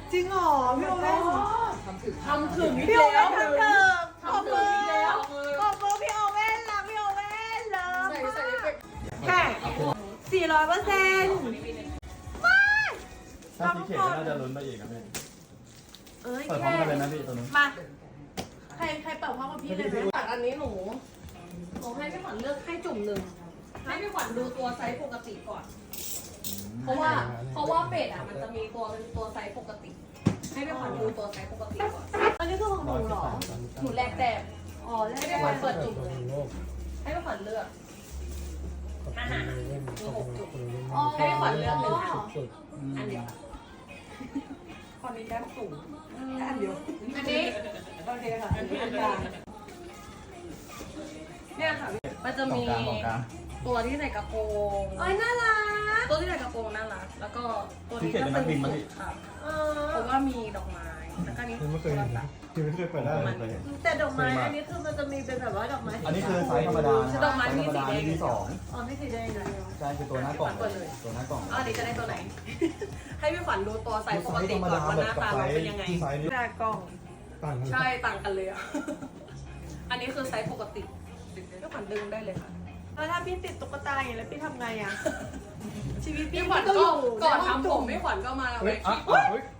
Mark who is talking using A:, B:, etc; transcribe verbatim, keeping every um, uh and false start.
A: จริงเหรอพี่โอเว่น
B: ทำถึง
C: ทำถึงอีก
A: พี่โอ
C: แล้
A: เว่
C: วน
A: ทำเถอะขอบ
C: ทำถึ
A: มื
C: ง
A: อ
C: อีกแล้ว
A: ขอบมือพี่โอเว่นรักพี่โอเว่นเลิฟ
B: ใส่ใส่เอฟเฟกต์
A: แค่สี่ร้อยเปอร์เซ็นต์
D: ถ้าพี่เขตก็น่าจะลุ้นไปอีกนะพี่
A: เอ้ย
D: เปิดพร้อมกันเลยนะพี่ตัวนู้น
A: มาใครใครเปิดพร้อมกับพี่เลยไหม
C: ตัดอันนี้หนูหนูให้พี่ขวัญเลือกให้จุ่มหนึ่งให้พี่ขวัญดูตัวไซส์ปกติก่อน เพราะว่าเพราะว่าเป็ดอ่ะมันจะมีตัวเป็นตัวไซส์ปกติ ให้พี่ขวัญดูตัวไซส์ปกติก่อน
A: อันนี้คือของหนูเหรอ
C: หนูแลกแต้ม
A: อ๋อแล้
C: ให้
A: ว
C: พี่ขวัญเปิดจุ่มเลยให้พี่ขวัญเลือกอาหารมีหกจุดให้พี่ขวัญเลือกหนึ่งอันอันเดียวคนนี้แต้มสูงอันเดียวอันนี้โอเคค่ะอันนี้อันกลางเนี่ยค่ะมันจะ
D: สอง
C: มี
D: กลางสองกลาง
C: ตัวที่ใส่กระโปรง
A: เอ้ยน่ารัก
C: ตัวที่ใส่กระโปรงน่ารักแล้วก็ตัว
D: พี่
C: นี้
D: เขตเป็นนักบินมาพี่
C: ค่ะ
A: เอ
C: เพ
A: อ
C: ราะว่ามีดอกไม้แล้วก็นี้
E: ไม่เคยเห็นนะที่ไม่เคยเปิดได้
D: เคยเห็น
A: แต่ดอกไม้อันนี้คือมันจะมีเป็นแบบว่าดอกไม้
D: อันนี้คือไซส์ธรรมดานะ
C: ดอกไม้มีสีแดง
D: มีสอง
A: อ๋อไม่สีแดงเลย
D: ใช่คือตัวหน้ากล่องตัวหน้ากล่อง
C: อ๋อเดี๋ยวจะได้ตัวไหน ให้พี่ขวัญดูตัวไซส์ปกติก่อนว่าหน้าตาเราเป็นยังไง
E: ไซส์นี้
A: หน้ากล่อง
E: ต่างกัน
C: ใช่ต่างกันเลยอ่ะ อันนี้คือไซส์ปกติพี่ขวัญดึงได้เลยค่ะ
A: แล้วถ้าพี่ติดตุ๊กตาอย่างนี้แล้วพี่ทำไงอ่ะชีวิตพี่
C: พี่ขวัญ
A: ก็
C: ก็
A: อยู่
C: ก่อน
A: ในห้ง
C: ทำผมพี่ขวัญก็มา
E: เฮ้
C: ไว้
E: ยอ่ะ
C: ที่
E: เฮ้ย